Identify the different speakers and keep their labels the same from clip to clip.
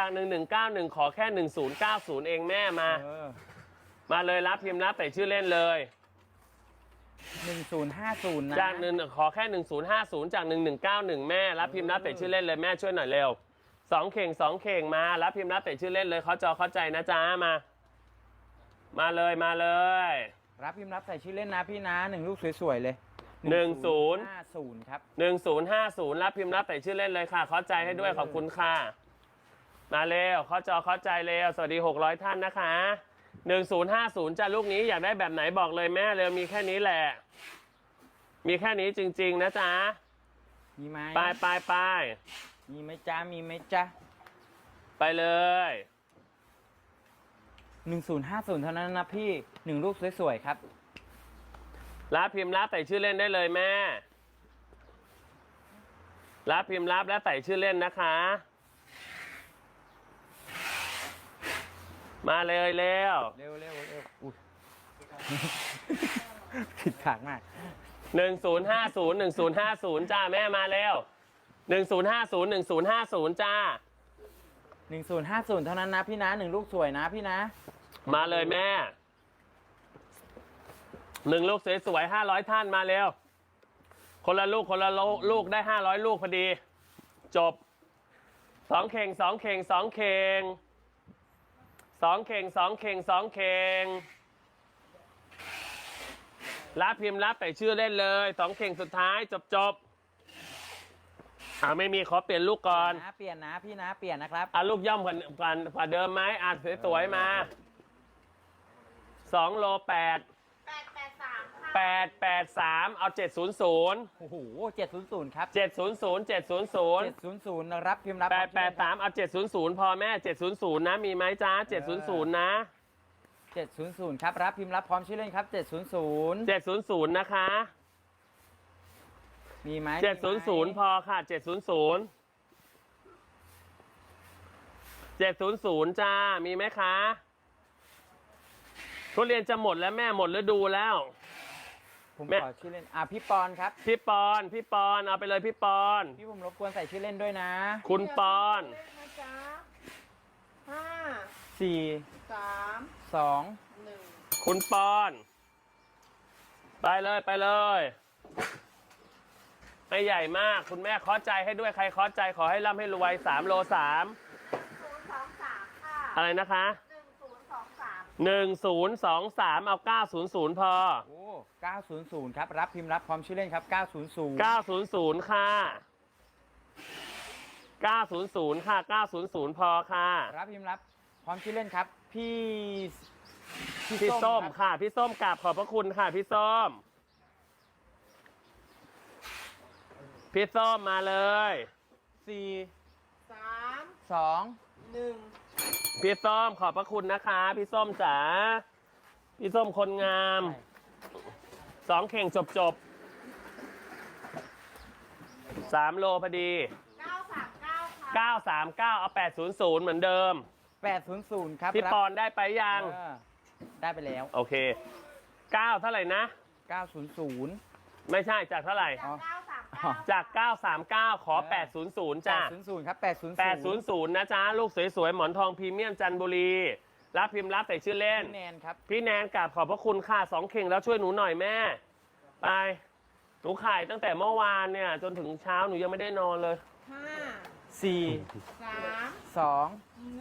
Speaker 1: จาก1191ขอแค่1090เองแม่มาเลยรับพิมพ์รับใส่ชื่อเล่นเลย
Speaker 2: 1050นะ
Speaker 1: จากขอแค่1050จาก1191แม่รับพิมพ์รับใส่ชื่อเล่นเลยแม่ช่วยหน่อยเร็ว2 เข่งมารับพิมพ์รับใส่ชื่อเล่นเลยเข้าใจนะจ๊ะมาเลย
Speaker 2: รับพิมพ์รับใส่ชื่อเล่นนะพี่นะ1ลูกสวยๆเลย
Speaker 1: 1050ครับ1050รับพิมพ์รับใส่ชื่อเล่นเลยค่ะเข้าใจให้ด้วยขอบคุณค่ะมาเร็วเข้าใจเร็วสวัสดี600ท่านนะคะ1050จ้ะลูกนี้อยากได้แบบไหนบอกเลยแม่เร็วมีแค่นี้แหละมีแค่นี้จริงๆนะจ๊ะ
Speaker 2: มีไหม
Speaker 1: ไป
Speaker 2: มีไหมจ๊ะ
Speaker 1: ไปเลย
Speaker 2: 1050เท่านั้นนะพี่1ลูกสวยๆครับ
Speaker 1: รับพิมพ์รับใส่ชื่อเล่นได้เลยแม่รับพิมพ์รับและใส่ชื่อเล่นนะคะมาเลยเร็ว
Speaker 2: ผิดขากมาก
Speaker 1: 1050จ้าแม่มาเร็ว1050จ้า
Speaker 2: 1050เท่านั้นนะพี่นะ1ลูกสวยนะพี่นะ
Speaker 1: มาเลยแม่1ลูกสวยๆ500ท่านมาเร็วคนละลูกได้500ลูกพอดีจบ2 เข่งรับพิมพ์รับใส่ชื่อเล่นเลย2 เข่งสุดท้ายจบไม่มีขอเปลี่ยนลูกก่อน
Speaker 2: เปลี่ยนนะพี่นะเปลี่ยนนะครับ
Speaker 1: ลูกย่อมกว่าเดิมไหมสวยๆมา2โล883เอา700
Speaker 2: โอ้โห700ครับ
Speaker 1: 700
Speaker 2: รับพิมพ์รับ
Speaker 1: 883เอา700พอแม่700นะมีไหมจ้า700นะ
Speaker 2: 700ครับรับพิมพ์รับพร้อมชื่อเล่นครับ
Speaker 1: 700นะคะ
Speaker 2: มีไหม
Speaker 1: 700พอค่ะ700จ้ามีไหมคะทุเรียนจะหมดแล้วแม่หมดฤดูแล้ว
Speaker 2: ผมขอชื่อเล่นพี่ปอนครับ
Speaker 1: พี่ปอนเอาไปเลยพี่ปอน
Speaker 2: พี่ผมรบกวนใส่ชื่อเล่นด้วยนะ
Speaker 1: คุณปอน
Speaker 2: 5 4 3 2 1
Speaker 1: คุณปอนไปเลยไม่ใหญ่มากคุณแม่ขอใจให้ด้วยใครขอใจขอให้ร่ำให้รวย3โล3ค่ะอะไรนะคะ1023เอา900พอ
Speaker 2: 900ครับรับพิมพ์รับพร้อมชื่อเล่นครับ
Speaker 1: 900ค่ะ900พอค่ะ
Speaker 2: รับพิมพ์รับพร้อมชื่อเล่นครับพี่
Speaker 1: ส้มค่ะพี่ส้มกราบขอบพระคุณค่ะพี่ส้มมาเลย
Speaker 2: 4 3 2 1
Speaker 1: พี่ส้มขอบพระคุณนะคะพี่ส้มจ๋าพี่ส้มคนงาม2 เข่งจบ3โลพอดี939เอา800เหมือนเดิม
Speaker 2: 800ครับ
Speaker 1: พี่ปอนได้ไปยัง
Speaker 2: ได้ไปแล้ว
Speaker 1: โอเค9เท่าไหร่นะ
Speaker 2: 900
Speaker 1: ไม่ใช่จากเท่าไหร่จาก939ขอ800จ้า
Speaker 2: 800ครับ
Speaker 1: 800นะจ๊ะลูกสวยๆหมอนทองพรีเมียมจันทบุรีรับพิมพ์รับใส่ชื่อเล่น
Speaker 2: พี่แนนครับ
Speaker 1: พี่แนนกราบขอบพระคุณค่ะ2 เข่งแล้วช่วยหนูหน่อยแม่ไปหนูขายตั้งแต่เมื่อวานเนี่ยจนถึงเช้าหนูยังไม่ได้นอนเลย
Speaker 2: 5 4 3 2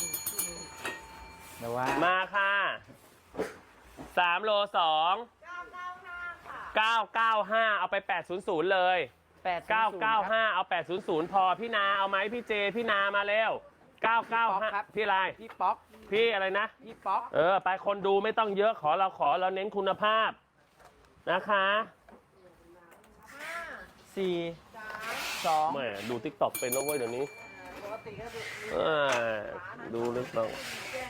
Speaker 2: 1เดี๋ยวว่า
Speaker 1: มาค่ะ3โล2 995เอาไป800เลย995เอา800พอพี่นาเอาไหมพี่เจพี่นามาเร็ว995พี่อะไร
Speaker 2: พี่ป๊อก
Speaker 1: พี่อะไรนะ
Speaker 2: พี่ป๊อก
Speaker 1: ไปคนดูไม่ต้องเยอะเราเน้นคุณภาพนะคะ
Speaker 2: 4 3 2
Speaker 1: แม่ดู TikTok เป็นแล้วเว้ยเดี๋ยวนี้ดูลึกต้อง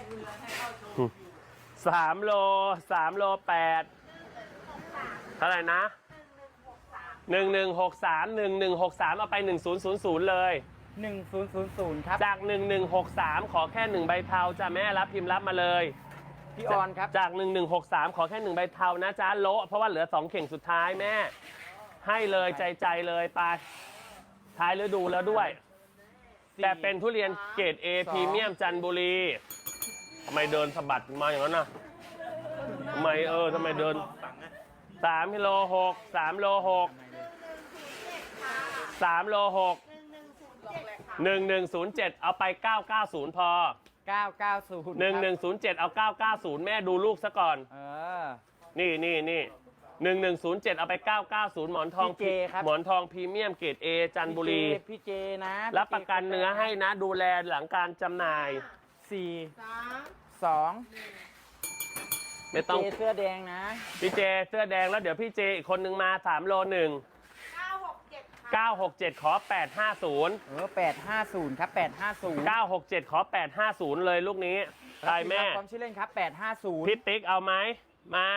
Speaker 1: 3โล8เท่าไหร่นะ1163เอาไป1000เลย
Speaker 2: 1000ครับ
Speaker 1: จาก1163ขอแค่1ใบเทาจ้ะแม่รับพิมพ์รับมาเลย
Speaker 2: พี่ออนครับ
Speaker 1: จาก1163ขอแค่1ใบเทานะจ๊ะโละเพราะว่าเหลือ2 เข่งสุดท้ายแม่ให้เลยใจเลยไปท้ายฤดูแล้วด้วยแต่เป็นทุเรียนเกรด A พรีเมียมจันทบุรีทำไมเดินสะบัดมาอย่างนั้นน่ะทำไมทำไมเดิน3กิโล6 3โล6 3โล6 1107เอาไป990พอ
Speaker 2: 990
Speaker 1: 1107เอา990แม่ดูลูกซะก่อน นี่1107เอาไป990หมอนทอง
Speaker 2: พี่เจครับ
Speaker 1: หมอนทองพรีเมียมเกรด A จันทบุรี
Speaker 2: พี่เจนะ
Speaker 1: รับประกันเนื้อให้นะดูแลหลังการจำหน่าย
Speaker 2: 4 2
Speaker 1: ไม่ต้อง
Speaker 2: เจเสื้อแดงนะ
Speaker 1: พี่เจเสื้อแดงแล้วเดี๋ยวพี่เจอีกคนนึงมา3โล1 967ขอ850
Speaker 2: 850 ครับ 850
Speaker 1: 967ขอ850เลยลูกนี้ตายแม่
Speaker 2: ความชื่อเล่นครับ 850
Speaker 1: พี่ติ๊กเอาไหมมา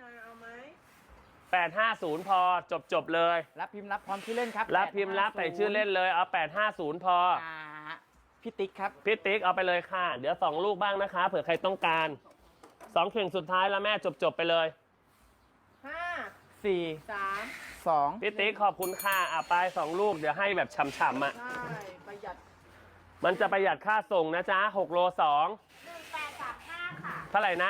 Speaker 1: 850พอจบเลย
Speaker 2: รับพิมพ์รับความชื่อเล่นครับ
Speaker 1: รับพิมพ์รับใส่ชื่อเล่นเลยเอา850พอ
Speaker 2: พี่ติ๊กครับ
Speaker 1: พี่ติ๊กเอาไปเลยค่ะเดี๋ยว2ลูกบ้างนะคะเผื่อใครต้องการ2เข่งสุดท้ายแล้วแม่จบไปเลย
Speaker 2: 4 2
Speaker 1: พี่ติ๊กขอบคุณค่ะไป2ลูกเดี๋ยวให้แบบฉ่ำๆอ่ะ
Speaker 3: ใช่ประหยัด
Speaker 1: มันจะประหยัดค่าส่งนะจ๊ะ6โล2
Speaker 3: 1835 ค่ะ
Speaker 1: เท่าไหร่นะ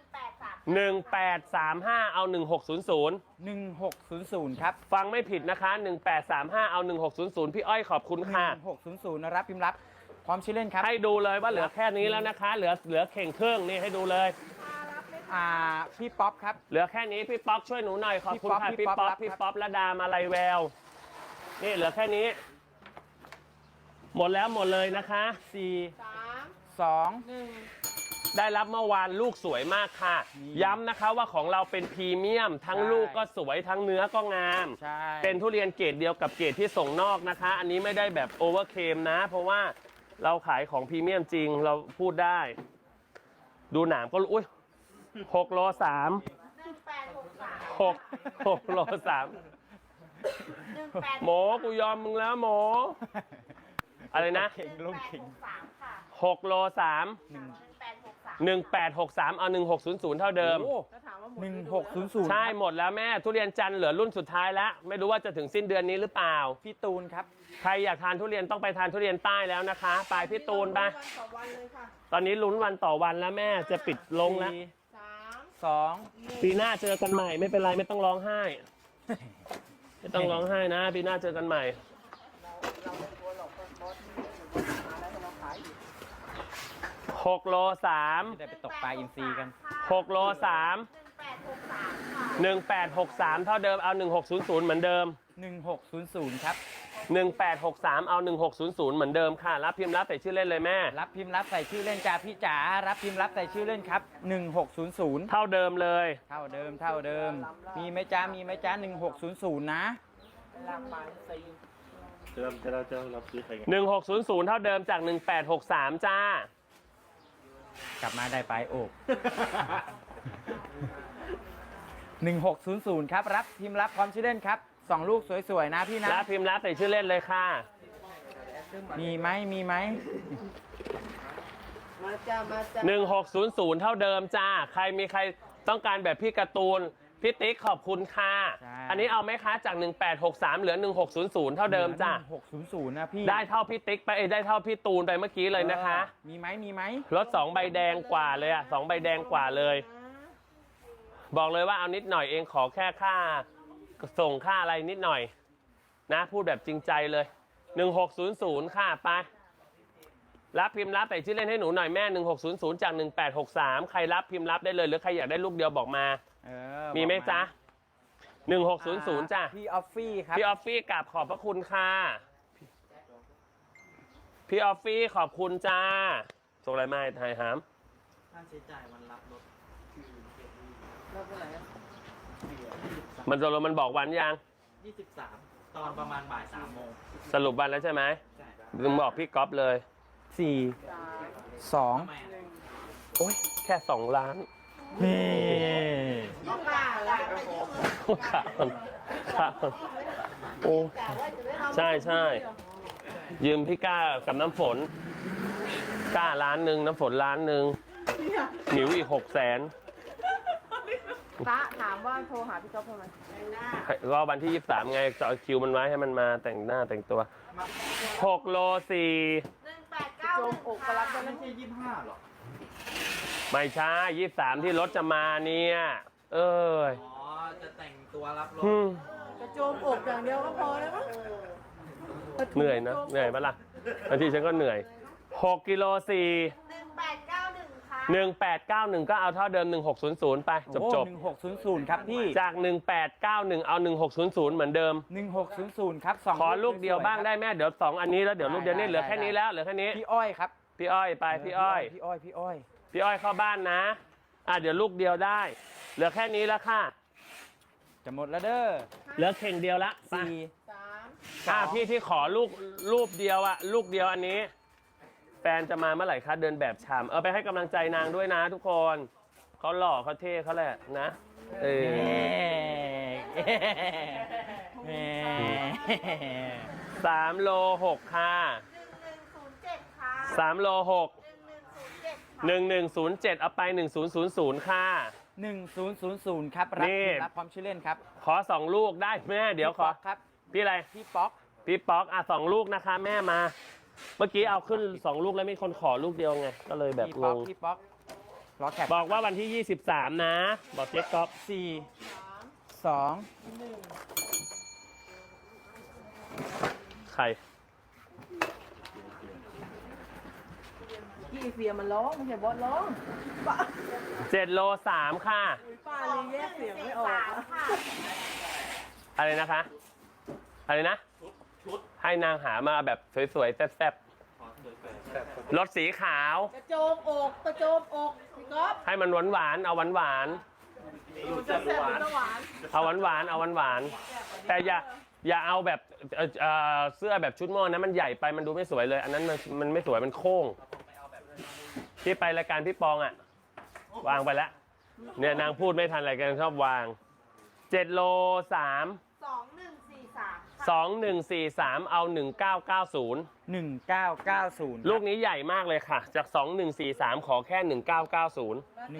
Speaker 1: 1835เอา1600
Speaker 2: 1600 ครับ
Speaker 1: ฟังไม่ผิดนะคะ1835เอา1600พี่อ้อยขอบคุณค่ะ
Speaker 2: 1600รับพิมพ์รับความชื่อเล่นครับ
Speaker 1: ให้ดูเลยว่าเหลือแค่นี้แล้วนะคะ เหลือเข่งครึ่งนี่ให้ดูเลย
Speaker 2: พี่ป๊อปครับ
Speaker 1: เหลือแค่นี้พี่ป๊อกช่วยหนูหน่อยขอบคุณค่ะ
Speaker 2: พี่
Speaker 1: พี่
Speaker 2: ป๊
Speaker 1: ป๊
Speaker 2: อ
Speaker 1: อ
Speaker 2: ป
Speaker 1: กพี่ป๊อประดามาลัยแววนี่เหลือแค่นี้ หมดแล้วหมดเลยนะคะ
Speaker 2: 4 2
Speaker 1: ได้รับเมื่อวานลูกสวยมากค่ะ
Speaker 2: นี่
Speaker 1: ย้ำนะคะว่าของเราเป็นพรีเมียม ทั้ง
Speaker 2: ใช่
Speaker 1: ลูกก็สวยทั้งเนื้อก็งาม
Speaker 2: ใช่
Speaker 1: เป็นทุเรียนเกรดเดียวกับเกรดที่ส่งนอกนะคะ อันนี้ไม่ได้แบบโอเวอร์เคมนะ เพราะว่าเราขายของพรีเมียมจริงเราพูดได้ ดูหนามก็รู้อุ้ย6โล3
Speaker 3: 1863
Speaker 1: 6โล3หมอกูยอมมึงแล้วหมอ อะไรนะ
Speaker 2: เข่งลูกเข่ง
Speaker 3: 1863 ค่ะ
Speaker 1: 6โล3 1863เอา1600เท่าเดิม
Speaker 3: ถ้าถามว่าหมด
Speaker 2: 1600
Speaker 1: ใช่หมดแล้วแม่ทุเรียนจันทร์เหลือรุ่นสุดท้ายแล้ว ไม่รู้ว่าจะถึงสิ้นเดือนนี้หรือเปล่า
Speaker 2: พี่ตูนครับ
Speaker 1: ใครอยากทานทุเรียนต้องไปทานทุเรียนใต้แล้วนะคะไปพี่ตูนไป
Speaker 3: วันต่อวันเลยค่ะ
Speaker 1: ตอนนี้ลุ้นวันต่อวันแล้วแม่จะปิดลงแล้ว
Speaker 2: 4
Speaker 1: ปีหน้าเจอกันใหม่ไม่เป็นไรไม่ต้องร้องไห้ ไม่ต้องร้องไห้นะปีหน้าเจอกันใหม่ 6โล3
Speaker 2: 2 ได้ไปตกปลาอินทรีกัน
Speaker 1: 6โล3
Speaker 3: 1863 ค่ะ
Speaker 1: 1863เท่าเดิมเอา1600เหมือนเดิม
Speaker 2: 1600 ครับ
Speaker 1: 1863เอา1600เหมือนเดิมค่ะรับพิมพ์รับใส่ชื่อเล่นเลยแม่
Speaker 2: รับพิมพ์รับใส่ชื่อเล่นจ้าพี่จ๋ารับพิมพ์รับใส่ชื่อเล่นครับ 1600
Speaker 1: เท่าเดิมเลย
Speaker 2: เท่าเดิม มีไหมจ้า1600 นะ
Speaker 4: จะรับซื้อใครกัน
Speaker 1: 1600เท่าเดิมจาก1863จ้าก
Speaker 2: ลับมาได้ไปโอบ1600 ครับ รับพิมพ์รับพร้อมชื่อเล่นครับ 2 ลูกสวยๆนะพี่นะ
Speaker 1: รับพิมพ์รับใส่ชื่อเล่นเลยค่ะ
Speaker 2: มีไหม
Speaker 3: มาจ้า มาจ้า
Speaker 1: 1600เท่าเดิมจ้าใครมีใครต้องการแบบพี่การ์ตูนพี่ติ๊กขอบคุณค่ะ
Speaker 2: ใช่
Speaker 1: อันนี้เอาไหมคะจาก1863เหลือ1600เท่าเดิมจ้า
Speaker 2: 600 นะพี่
Speaker 1: ได้เท่าพี่ติ๊กไปได้เท่าพี่ตูนไปเมื่อกี้เลยนะคะ
Speaker 2: มีไหม
Speaker 1: รถ2ใบแดงกว่าเลยอะ2ใบแดงกว่าเลย บอกเลยว่าเอานิดหน่อยเองขอแค่ค่าส่งค่าอะไรนิดหน่อยนะพูดแบบจริงใจเลย1600ค่ะไปรับพิมพ์รับใส่ชื่อเล่นให้หนูหน่อยแม่1600จาก1863ใครรับพิมพ์รับได้เลยหรือใครอยากได้ลูกเดียวบอกมา มีไหมจ๊ะ1600จ้ะ
Speaker 2: พี่ออฟฟี่ครับ
Speaker 1: พี่ออฟฟี่กราบขอบพระคุณค่ะพี่ออฟฟี่ขอบคุณจ้าส่งอะไรมาให้ไทยหาม
Speaker 4: ค่าใช้จ่ายวันรับรถ
Speaker 3: แล้วก็ไหนอะ
Speaker 1: มันตกลงมันบอกวันยัง
Speaker 4: 23 ตอนประมาณบ่าย3 โมง
Speaker 1: สรุปวันแล้วใช่ไหม
Speaker 4: ใช่ครับ
Speaker 1: มึงบอกพี่ก๊อฟเลย
Speaker 2: 4 2
Speaker 4: แม่
Speaker 1: โอ้ยแค่2 ล้าน
Speaker 2: นี่
Speaker 3: ต้องกล้าแล้ว
Speaker 1: ขามันขามันโอ้ใช่ใช่ยืมพี่ก้ากับน้ำฝนก้าล้านหนึ่งน้ำฝนล้านหนึ่งหมิวอีก600,000
Speaker 3: พระถามว่าโทรหาพี่ก๊อฟทำไม
Speaker 1: ก็วันที่23ไงจะเอาคิวมันไว้ให้มันมาแต่งหน้าแต่งตัว6โล4
Speaker 3: โจมอกก็รับได้
Speaker 4: ไม่
Speaker 3: แล้ว
Speaker 4: ใช่25หรอ
Speaker 1: ไม่ใช่23ที่รถจะมาเนี่ย เอ้ย
Speaker 4: อ๋อ จะแต่งตัวรับรถ
Speaker 3: กระโจมอกอย่างเดียวก็พอแล้วมั้ง
Speaker 1: เหนื่อยนะ เหนื่อยปะล่ะบางทีฉันก็เหนื่อย6กิโล4
Speaker 3: 1891ค่ะ
Speaker 1: 1891 ก็เอาเท่าเดิม 1600 ไป จบ
Speaker 2: โอ้1600 ครับพี่
Speaker 1: จาก 1891 เอา 1600 เหมือนเดิม
Speaker 2: 1600 ครับ2
Speaker 1: ขอลูกเดียวบ้างได้แม่เดี๋ยว2อันนี้แล้วเดี๋ยวลูกเดียวนี่เหลือแค่นี้แล้วเหลือแค่นี้
Speaker 2: พี่อ้อยครับ
Speaker 1: พี่อ้อยไปพี่อ้อย
Speaker 2: พี่อ้อย
Speaker 1: พี่อ้อยเข้าบ้านนะเดี๋ยวลูกเดียวได้ เหลือแค่นี้แล้วค่ะ
Speaker 2: จะหมดแล้วเด้อ
Speaker 1: เหลือเข่งเดียวละไป
Speaker 2: 4
Speaker 1: พี่ที่ขอรูปเดียวลูกเดียวอันนี้ แฟนจะมาเมื่อไหร่คะเดินแบบชามไปให้กำลังใจนางด้วยนะทุกคนเขาหล่อเขาเท่เขาแหละนะ3โล6ค่ะ
Speaker 3: 1107ค่ะ
Speaker 1: 3โล6
Speaker 3: 1107ค่ะ
Speaker 1: 1107เอาไป1000ค่ะ
Speaker 2: 1000 ครับ รับ
Speaker 1: นี่
Speaker 2: พิมพ์รับพร้อมชื่อเล่นครับ
Speaker 1: ขอ2ลูกได้แม่เดี๋ยวขอ
Speaker 2: พี่ป๊อกครับ
Speaker 1: พี่อะไร
Speaker 2: พี่ป๊อก
Speaker 1: พี่ป๊อก2ลูกนะคะแม่มา เมื่อกี้เอาขึ้น2ลูกแล้วมีคนขอลูกเดียวไงก็เลยแบบ
Speaker 2: พี่
Speaker 1: ง
Speaker 2: ป๊อก
Speaker 1: ง
Speaker 2: พี่ป๊อกรอแคป
Speaker 1: บอกว่าวันที่ 23 นะ บอกเจ๊ก๊อฟ
Speaker 2: 4 2
Speaker 1: ใคร
Speaker 3: พี่เฟียมันร้องไม่ใช่บอสร้องป้า
Speaker 1: 7โล3ค่ะ
Speaker 3: ป้าเลยแยกเสียงไม่ออกอะ
Speaker 1: อะไรนะคะ อะไรนะ
Speaker 4: ชุด
Speaker 1: ให้นางหามาแบบสวยๆ แซ่บ
Speaker 4: ขอสวยแปลก
Speaker 1: ๆรถสีขาว
Speaker 3: กระโจมอกกระโจมอกพี่ก๊อฟ
Speaker 1: ให้มันหวานๆเอาหวาน
Speaker 3: มันจะแซ่บหรือจะหวาน
Speaker 1: ๆเอาหวานๆเอาหวานๆแต่อย่าเอาแบบเสื้อแบบชุดม่อนะมันใหญ่ไปมันดูไม่สวยเลย อันนั้นมันไม่สวยมันโค้งที่ไปรายการพี่ปองวางไปแล้วเนี่ยนางพูดไม่ทันอะไรกันชอบวาง7โล3
Speaker 3: 2143
Speaker 1: 2143 เอา 1990
Speaker 2: 1990
Speaker 1: ลูกนี้ใหญ่มากเลยค่ะ จาก 2143 ขอแค่ 1990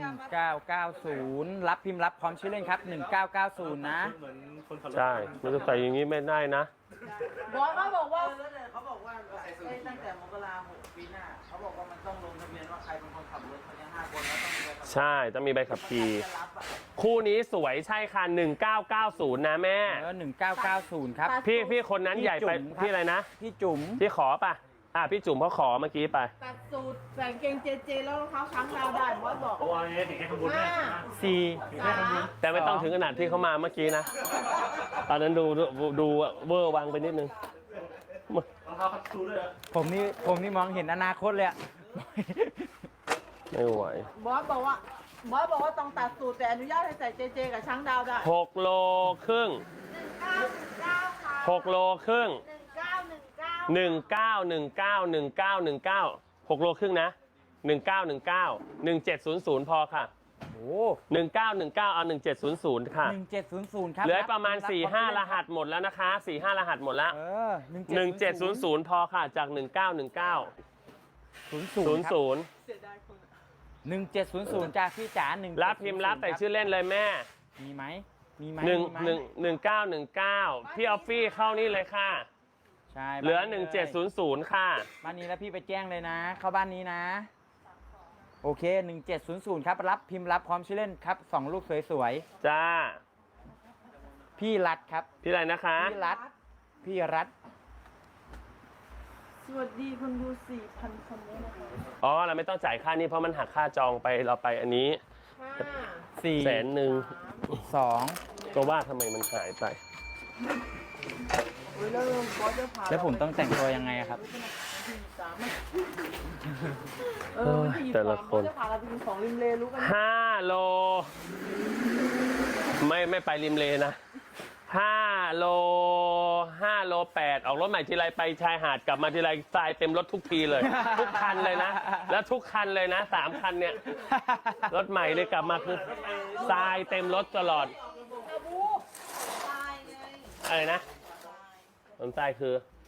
Speaker 2: 1990 รับพิมพ์รับพร้อมชื่อเล่นครับ 1990 นะ
Speaker 4: เหมือนคนขับรถ
Speaker 1: ใช่มันจะใส่อย่างนี้ไม่ได้นะ
Speaker 3: บอสเขาบอกว่า
Speaker 4: เขาบอกว่าตั้งแต่มกราคมปีหน้าเขาบอกว่ามันต้องลงทะเบียนว่าใครเป็นคนขับรถเขาจะ5 คนแล้วต้องมีใบขับขี่
Speaker 1: ใช่ต้องมีใบขับขี่
Speaker 4: จะรับอ่ะ
Speaker 1: คู่นี้สวยใช่ค่ะ 1990 นะแม่
Speaker 2: 1990 ครับ
Speaker 1: พี่คนนั้นใหญ่ไป
Speaker 2: พี่จุ๋มครับ
Speaker 1: พี่อะไรนะ
Speaker 2: พี่จุ๋ม
Speaker 1: พี่ขอป่ะพี่จุ๋มเขาขอเมื่อกี้ไป
Speaker 3: ตัดสูตรใส่กางเกงเจเจแล้วรองเท้าช้างดาวได้บอสบอก
Speaker 4: เพราะว่าเนี่ยถึงแค่ขบวนแรก
Speaker 2: 4
Speaker 1: แต่ไม่ต้องถึงขนาดที่เขามาเมื่อกี้นะตอนนั้นดูเวอร์วังไปนิดนึง
Speaker 4: รองเท้าคัตชูด้วยเหรอ
Speaker 2: ผมนี่มองเห็นอนาคตเลยอะ
Speaker 1: ไม่ไหว
Speaker 3: บอสบอกว่าต้องตัดสูตรแต่อนุญาตให้ใส่เจเจกับช้างดาวได้
Speaker 1: 6โลครึ่ง
Speaker 3: 1919ค่ะ
Speaker 1: 6โลครึ่ง
Speaker 3: 1919
Speaker 1: 1919 6โลครึ่งนะ 1919 1700 พอค่ะ
Speaker 2: โอ้
Speaker 1: 1919 เอา 1700 ค่ะ
Speaker 2: 1700 ครับ
Speaker 1: เหลือประมาณ 4-5 รหัสหมดแล้วนะคะ 4-5 รหัสหมดแล้ว 1700 พอค่ะ จาก 1919
Speaker 2: 00
Speaker 3: เสียดายคน
Speaker 2: 1700จากพี่จ๋า1
Speaker 1: รับพิมพ์รับแต่ชื่อเล่นเลยแม่
Speaker 2: มีไหม
Speaker 1: 1919 พี่ออฟฟี่เข้านี่เลยค่ะ
Speaker 2: ใช่
Speaker 1: เหลือ
Speaker 2: บ้านนี้
Speaker 1: 1700 ค่ะ
Speaker 2: บ้านนี้แล้วพี่ไปแจ้งเลยนะ เข้าบ้านนี้นะ โอเค 1700 ครับ รับพิมพ์รับพร้อมชื่อเล่นครับ 2 ลูกสวย
Speaker 1: จ้า
Speaker 2: ๆ พี่รัฐครับ
Speaker 1: พี่อะไรนะคะ
Speaker 2: พี่รัฐ
Speaker 3: สวัสดีคนดู 4,000 คนด้วยนะคะ
Speaker 1: อ๋อ เราไม่ต้องจ่ายค่านี้เพราะมันหักค่าจองไปเราไปอันนี้
Speaker 2: 4
Speaker 1: 100,000
Speaker 2: 2
Speaker 1: ก็ว่าทำไมมันหายไป
Speaker 3: แล้วบอสจะพา
Speaker 2: แล้วผมต้องแต่งตัวยังไงอะครับ
Speaker 1: แต่ละคน
Speaker 3: บอสจะพาเราไปกินของริมเลรู้กัน
Speaker 1: 5 โล ไม่ไปริมเลนะ 5 โล 5 โล 8 ออกรถใหม่ทีไรไปชายหาดกลับมาทีไรทรายเต็มรถทุกทีเลย ทุกคันเลยนะ แล้วทุกคันเลยนะ 3 คันเนี่ย รถใหม่เลยกลับมาคือทรายเต็มรถตลอด อะไรนะน้ำทรายคือ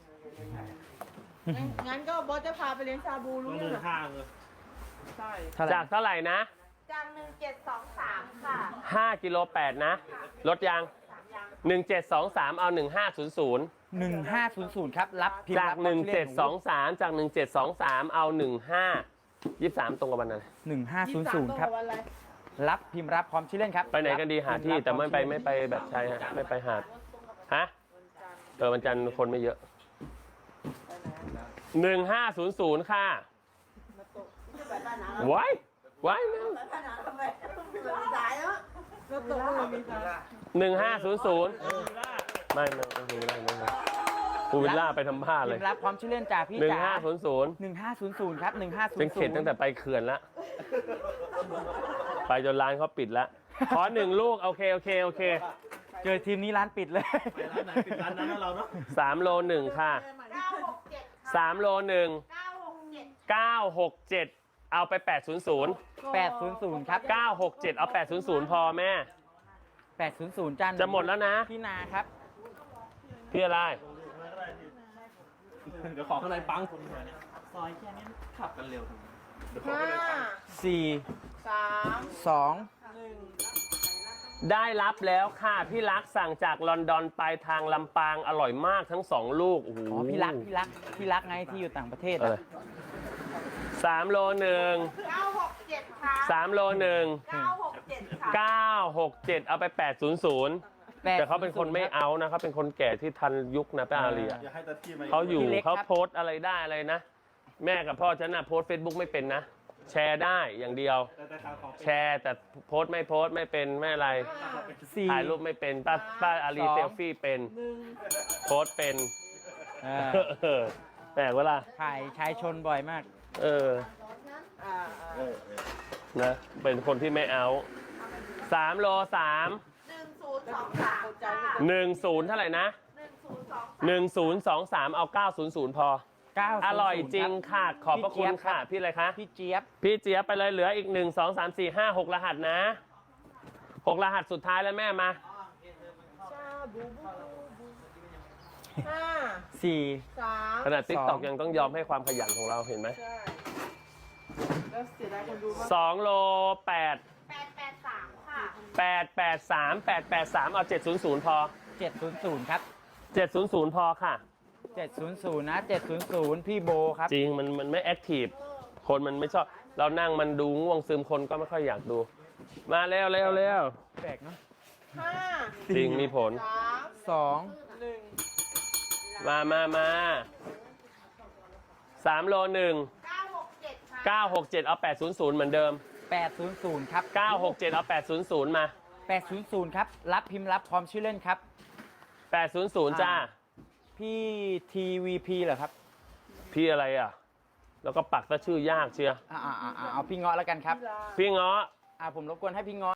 Speaker 3: งั้นก็บอสจะพาไปเลี้ยงชาบูรู้
Speaker 4: ต้อง
Speaker 3: เรื่
Speaker 4: เดิ
Speaker 3: อง
Speaker 4: น
Speaker 3: เหรอ
Speaker 4: ข้างเลย
Speaker 3: ใช่
Speaker 2: เท่าไหร่
Speaker 1: จากเท่าไหร่นะ
Speaker 3: จาก1723 ค่ะ
Speaker 1: 5 กิโล 8 นะ ลดยาง 1723 เอา 1500
Speaker 2: 1500ครับรับพิมพ์
Speaker 1: จาก
Speaker 2: รับความชื่อเล่น
Speaker 1: 1723 จาก 1723 เอา 15 23 ตรงกับวันอะไร
Speaker 2: 1500ครับ
Speaker 3: วันอะไร
Speaker 2: รับพิมพ์รับพร้อมชื่อเล่นครับ
Speaker 1: ไปไหนกันดีหาที่แต่ไม่ไปแบบชายฮะไม่ไปหาดฮะวันจันทร์คนไม่เยอะ 1500 ค่ะไว้แม่
Speaker 3: สายแล้วก็ตกลงมีสาย
Speaker 1: 1500ไม่พูวิลล่าไปทำผ้า
Speaker 2: พิ
Speaker 1: เล
Speaker 2: ม
Speaker 1: ย
Speaker 2: พ์รับพร้อมชื่อเล่นจากพี่จ๋า
Speaker 1: 1500
Speaker 2: 1500ครับ1500
Speaker 1: เป็นเข็ดตั้งแต่ไปเขื่อนแล้ว ไปจนร้านเขาปิดแล้ว ขอ1 ลูก โอเค
Speaker 2: เจอทีมนี้ร้านปิดเลย
Speaker 4: ไปร้านไหนปิดร้านนั้นนะเราเนาะ
Speaker 1: 3 โล 1 ค่ะ 3 โล 1 967 เอาไป 800
Speaker 2: 800ครับ
Speaker 1: 967 เอา 800 พอแม่
Speaker 2: 800จ้า
Speaker 1: จะหมดแล้วนะ
Speaker 2: พี่นาครับ
Speaker 1: พี่อะไร
Speaker 4: เดี๋ยวขอข้างในปังคนเดียวเนี่ยซอยแค่นี้ขับกันเร็วทำไม
Speaker 3: 5
Speaker 2: 4
Speaker 3: 3
Speaker 2: 2
Speaker 1: ได้รับแล้วค่ะ พี่รักสั่งจากลอนดอนไปทางลำปางอร่อยมากทั้ง 2 ลูกโอ้โห
Speaker 2: อ๋อพี่รักไงที่อยู่ต่างประเทศ
Speaker 1: 3 โล 1
Speaker 3: 967ค่ะ
Speaker 1: 3 โล 1
Speaker 3: 967ค่ะ
Speaker 1: 967 เอาไป 800 แต่เขาเป็นคนไม่เอานะเขาเป็นคนแก่ที่ทันยุคนะป้าอาลีอะ
Speaker 4: อย่าให้ตาที่มา
Speaker 1: เขาอยู่เขาโพสต์อะไรได้อะไรนะ แม่กับพ่อฉันน่ะโพสต์ Facebook ไม่เป็นนะ แชร์ได้อย่างเดียว
Speaker 4: แต่ข่าวของ
Speaker 1: แชร์แต่โพสต์ไม่เป็นไม่อะไร
Speaker 2: 4
Speaker 1: ถ่ายรูปไม่เป็นป้าอาลี
Speaker 2: 2
Speaker 1: เซลฟี่เป็นโพสต์เป็น แปลกเวลา
Speaker 2: ถ่ายชายชนบ่อยมาก
Speaker 1: นะเป็นคนที่ไม่เอา3 โล 3
Speaker 3: 1023ค่ะ
Speaker 1: 10 เท่าไหร่นะ 1023 เอา 900 พอ
Speaker 2: 900
Speaker 1: อร่อยจริงค่ะ ขอบพระคุณค่ะ พี่อะไรคะ
Speaker 2: พี่เจี๊ยบ
Speaker 1: พี่เจี๊ยบไปเลยเหลืออีก 1 2 3 4 5 6 รหัสนะ 6 รหัสสุดท้ายแล้วแม่มา
Speaker 3: 5
Speaker 2: 4
Speaker 3: 3
Speaker 1: ขนาดติ๊กตอกยังต้องยอมให้ความขยันของเราเห็นไหม
Speaker 3: ใช่แล้วเสียดายคนดูมาก
Speaker 1: 2 โล 8
Speaker 3: 883ค่ะ
Speaker 1: 883 เอา 700 พอ
Speaker 2: 700ครับ
Speaker 1: 700 พอค่ะ
Speaker 2: 700นะ700พี่โบครับ
Speaker 1: จริงมันไม่แอคทีฟคนมันไม่ชอบ เรานั่งมันดูง่วงซึมคนก็ไม่ค่อยอยากดู มาเร็ว
Speaker 2: แปลกเนาะ
Speaker 3: 5
Speaker 1: จริงมีผล
Speaker 3: 3
Speaker 2: 2
Speaker 3: 1
Speaker 1: มา3 โล 1
Speaker 3: 967ค่ะ
Speaker 1: 967 เอา 800 เหมือนเดิม
Speaker 2: 800ครับ
Speaker 1: 967 เอา 800 มา
Speaker 2: 800ครับรับพิมพ์รับพร้อมชื่อเล่นครับ
Speaker 1: 800 จ้า
Speaker 2: พี่ TVP เหรอครับ
Speaker 1: พี่อะไรอ่ะ แล้วก็ปักซะชื่อยากเชียร์
Speaker 2: เอาพี่เงาะแล้วกันครับ
Speaker 1: พี่เงาะ
Speaker 2: ผมรบกวนให้พี่เงาะ